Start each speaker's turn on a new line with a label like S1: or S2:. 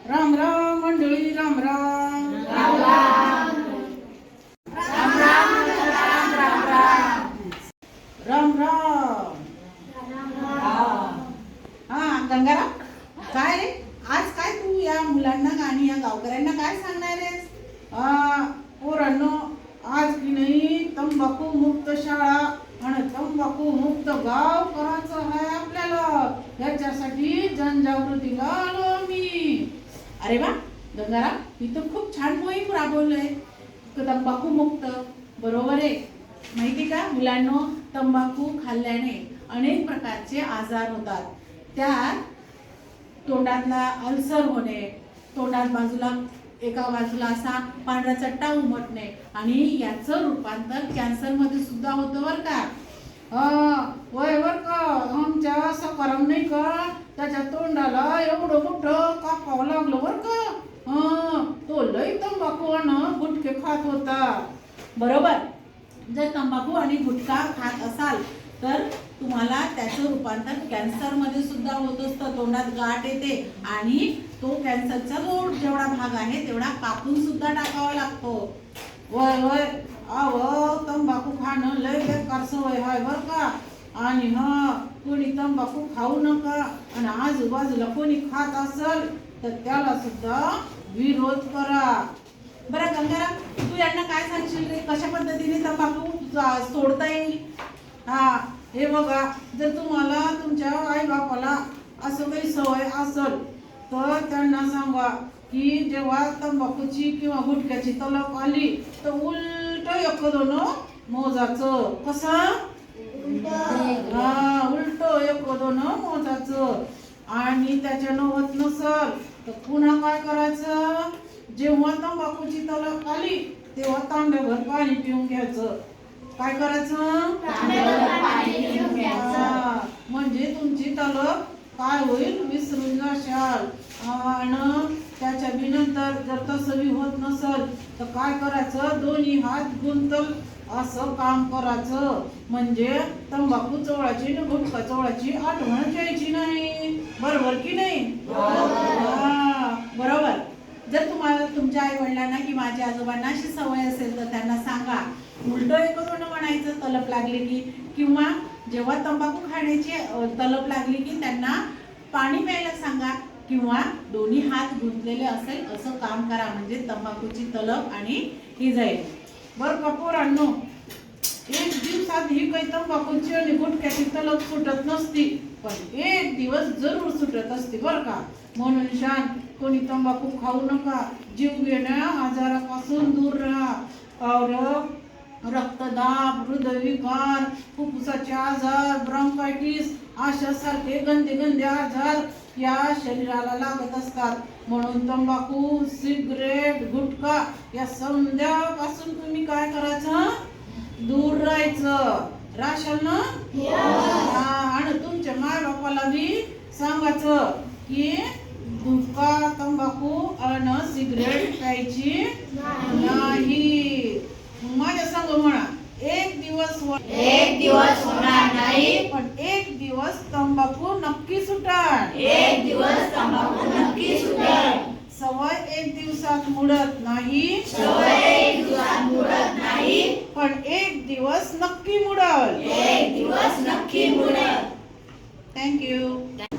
S1: राम राम मंडळी, राम राम
S2: राम राम राम राम राम राम
S1: राम राम. हा गंगाराम, काय रे आज काय तू या मुलांना आणि या गावकऱ्यांना काय सांगणार आहेस? पोरांनो, आज की नाही तंबाखू मुक्त शाळा आणि तंबाखू मुक्त गाव करायचं आहे आपल्याला. याच्यासाठी जनजागृतीला आलो मी. अरे वा गंगाराम, ही तर खूप छान मोहीम राबवलंय. तंबाखू मुक्त, बरोबर आहे. माहिती का मुलांनो, तंबाखू खाल्ल्याने अनेक प्रकारचे आजार होतात. त्यात तोंडातला अल्सर होणे, तोंडात एका बाजूला असा पांढरा चट्टा उमटणे आणि याचं रूपांतर कॅन्सर मध्ये सुद्धा होतं बरं का. वय बर का, आमच्या असं करम नाही का, त्याच्या तोंडाला एवढं मोठं कापावं लागलं बर का. तो लई तंबाखू आणि गुटखे खात होता. बरोबर, जर तंबाखू आणि गुटखा खात असाल तर तुम्हाला त्याचं रूपांतर कॅन्सर मध्ये सुद्धा होत असतं. तोंडात गाठ येते आणि तो कॅन्सरचा जेवढा भाग आहे तेवढा कापून सुद्धा टाकावा लागतो. वय वय तंबाखू खाणं लय बेकार सवय आहे बर का. आणि कोणी तंबाखू खाऊ नका. आणि आजूबाजूला कोणी खात असेल तर त्याला सुद्धा विरोध करा. बरं गंगाराम, तू यांना काय सांगशील रे, कशा पद्धतीने तंबाखू सोडता येईल? हे बघा, जर तुम्हाला तुमच्या आई बापाला असं काही सवय असेल तर त्यांना सांगा की जेव्हा तंबाखूची किंवा गुटख्याची तलप आली तर उलट एक दोन मोजाचं. कसं? उलट एक दोन मोजाचं. आणि त्याच्यानं होत नसल तर पुन्हा काय करायचं, जेव्हा तंबाखूची तलप आली तेव्हा तांब्याभर पाणी पिऊन घ्यायचं. काय करायचं? म्हणजे तुमची तलप काय होईल, विसरून जाशाल. आणि त्याच्या नंतर जर तसं होत नसल तर काय करायचं, दोन्ही हात गुंतल असं काम करायचं. म्हणजे तंबाखू चोळाची आणि गुटखा चोळाची आठवण घ्यायची नाही. बरोबर की नाही? बरोबर. जर तुम्हाला तुमच्या आई वडिलांना की माझ्या आजोबांना अशी सवय असेल तर त्यांना सांगा उलट एक दोन म्हणायचं तलप लागली की, किंवा जेव्हा तंबाखू खाण्याची तलप लागली की त्यांना पाणी प्यायला सांगा, किंवा दोन्ही हात गुंतलेले असेल असं काम करा. म्हणजे तंबाखूची तलप आणि ही जाईल. बरं का पोरांनो, एक दिवसात ही काही तंबाखूची आणि गुटख्याची तलप सुटत नसती, पण एक दिवस जरूर सुटत असते बरं का. म्हणून शान कोणी तंबाखू खाऊ नका. जीव घेण्या आजारापासून दूर राहा. और रक्तदाब, हृदयविकार, फुफ्फुसाचे आजार, ब्रॉन्कायटिस अशासारखे गंदे आजार या शरीराला लागत असतात. म्हणून तंबाखू, सिगरेट, गुटखा या समध्यापासून तुम्ही काय करायचं, दूर राहायचं. राशन ना. आणि तुमच्या माय बापाला बी सांगायचं की गुटखा, तंबाखू आणि सिगरेट प्यायची नाही. माझ्या संग म्हणा, एक दिवस
S2: होणार नाही,
S1: पण एक दिवस तंबाखू नक्की सुटल.
S2: एक दिवस तंबाखू नक्की सुटेल.
S1: सवय एक दिवसात मुडत नाही,
S2: सवय एक दिवसात मुडत नाही,
S1: पण एक दिवस नक्की मुडल.
S2: एक दिवस नक्की मुडेल.
S1: थँक्यू.